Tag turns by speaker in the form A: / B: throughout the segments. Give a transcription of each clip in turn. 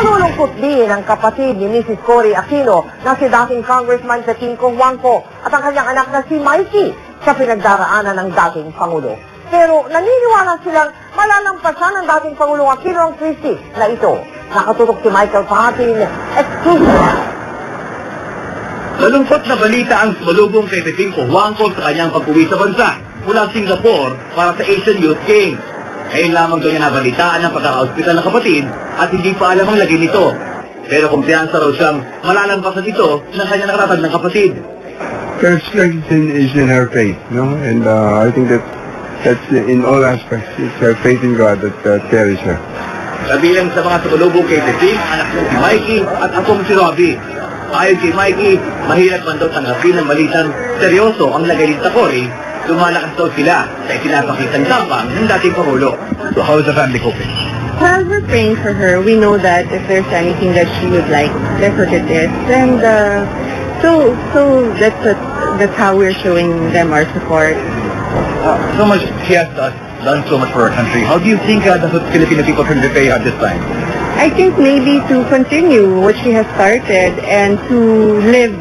A: Nalulungkot din ang kapatid ni Mrs. Cory Aquino na si dating Congressman Petinco Huangco at ang kanyang anak na si Mikey sa pinagdaraanan ng dating Pangulo. Pero naniniwala silang malalampasan ng dating Pangulong Aquino ang krisis na ito. Nakatutok si Michael Pahatin, exclusive.
B: Malungkot na balita ang sumalubong kay Petinco Huangco sa kanyang pag-uwi sa bansa mula Singapore para sa Asian Youth Games. Ngayon lamang daw niya nabalitaan ang pagkaka-hospital ng kapatid at hindi pa alam ang lagay nito. Pero kumpiyansa raw siyang malalampasan ito ng kanyang nakatatag ng kapatid.
C: Her strength is in her faith, no? And I think that's in all aspects. It's her faith in God that carries her.
B: Kabilang sa mga sumalubong kay Peting, anak niya si Mikey at akong si Robbie. Ayon kay Mikey, mahirap man daw tanggapin ng balitang seryoso ang lagay ni Cory. Lumalakas daw sila sa itinapakitang tapang ng dating Pangulo. So how is the family coping?
D: Well, we're praying for her. We know that if there's anything that she would like, that's what it is. And so that's how we're showing them our support.
B: So much she has done so much for our country. How do you think the Filipino people can repay her this time?
D: I think maybe to continue what she has started and to live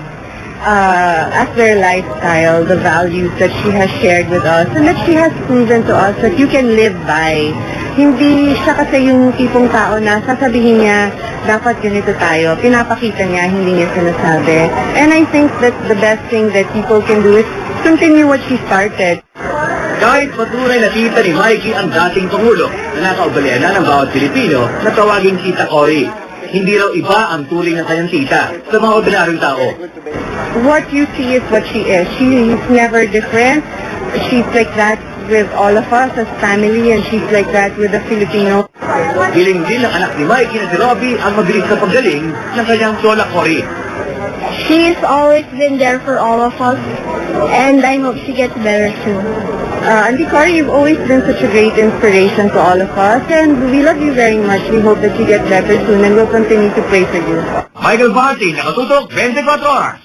D: as their lifestyle, the values that she has shared with us and that she has proven to us that you can live by. Hindi siya kasi yung tipong tao na sasabihin niya, dapat ganito tayo. Pinapakita niya, hindi niya sinasabi. And I think that the best thing that people can do is continue what she started.
B: Kahit patunay na tita ni Mikey ang dating Pangulo na nakaubalian na ng bawat Pilipino na tawaging Tita Cory. Hindi raw iba ang turing ng kanyang tita sa mga ordinaryong tao.
D: What you see is what she is. She's never different. She's like that with all of us as family and she's like that with the Filipino.
B: Hiling din ng anak ni Mikey na si Robbie ang mabilis na paggaling ng kanyang Lola Cory.
D: She's always been there for all of us and I hope she gets better soon. Auntie Cory, you've always been such a great inspiration to all of us and we love you very much. We hope that you get better soon and we'll continue to pray for you.
B: Michael Pahatin, nakatutok 24 oras.